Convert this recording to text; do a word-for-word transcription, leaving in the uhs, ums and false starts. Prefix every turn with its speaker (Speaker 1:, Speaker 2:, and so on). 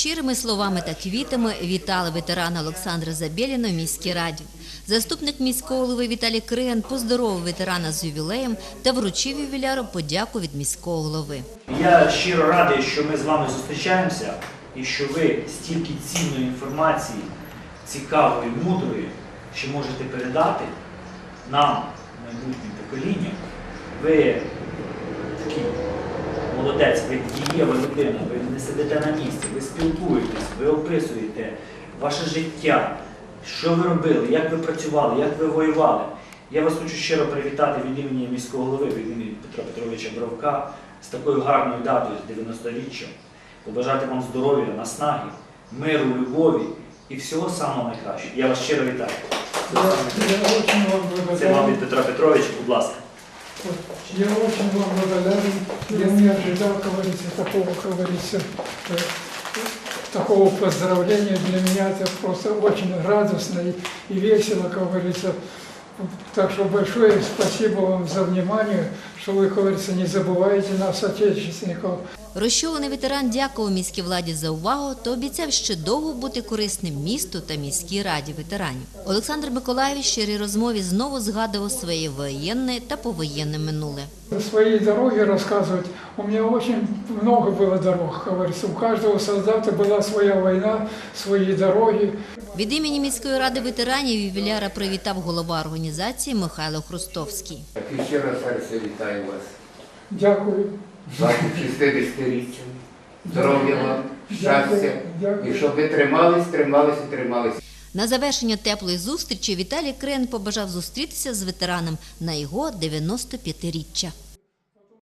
Speaker 1: Щирими словами та квітами вітали ветерана Олександра Забєліна в міській раді. Заступник міського голови Віталій Криган поздоровив ветерана з ювілеєм та вручив ювіляру подяку від міського голови.
Speaker 2: Я щиро радий, що ми з вами зустрічаємося і що ви стільки цінної інформації, цікавої, мудрої, що можете передати нам, майбутнім поколінням. Ви такий молодець, ви дієва людина, ви не сидите на місці, ви спілкуєтесь, ви описуєте ваше життя, що ви робили, як ви працювали, як ви воювали. Я вас хочу щиро привітати від імені міського голови, від імені Петра Петровича Бровка з такою гарною датою, з дев'яносторіччям. Побажати вам здоров'я, наснаги, миру, любові і всього самого найкращого. Я вас щиро вітаю. Це вам від Петра Петровича, будь ласка.
Speaker 3: Я очень вам благодарен. Я не ожидал, как говорится, такого, как говорится, такого поздравления. Для меня это просто очень радостно и весело, как говорится. Так что большое спасибо вам за внимание, что вы, как говорится, не забываете нас, отечественников.
Speaker 1: Розчулений ветеран дякував міській владі за увагу та обіцяв ще довго бути корисним місту та міській раді ветеранів. Олександр Миколаєвич в щирій розмові знову згадував своє воєнне та повоєнне минуле.
Speaker 3: Свои дороги рассказывать. У меня очень много было дорог, как говорится. У каждого солдата была своя война, свои дороги.
Speaker 1: Від імені міської ради ветеранів ювіляра привітав голова організації Михайло Хрустовський.
Speaker 4: І ще раз серце вітаю вас.
Speaker 3: Дякую.
Speaker 4: Вашим шістдесятиріччям. Здоров'я вам, щастя.
Speaker 3: Дякую, дякую.
Speaker 4: І щоб ви тримались, тримались і тримались.
Speaker 1: На завершення теплої зустрічі Віталій Криган побажав зустрітися з ветераном на його дев'яностоп'ятиріччя.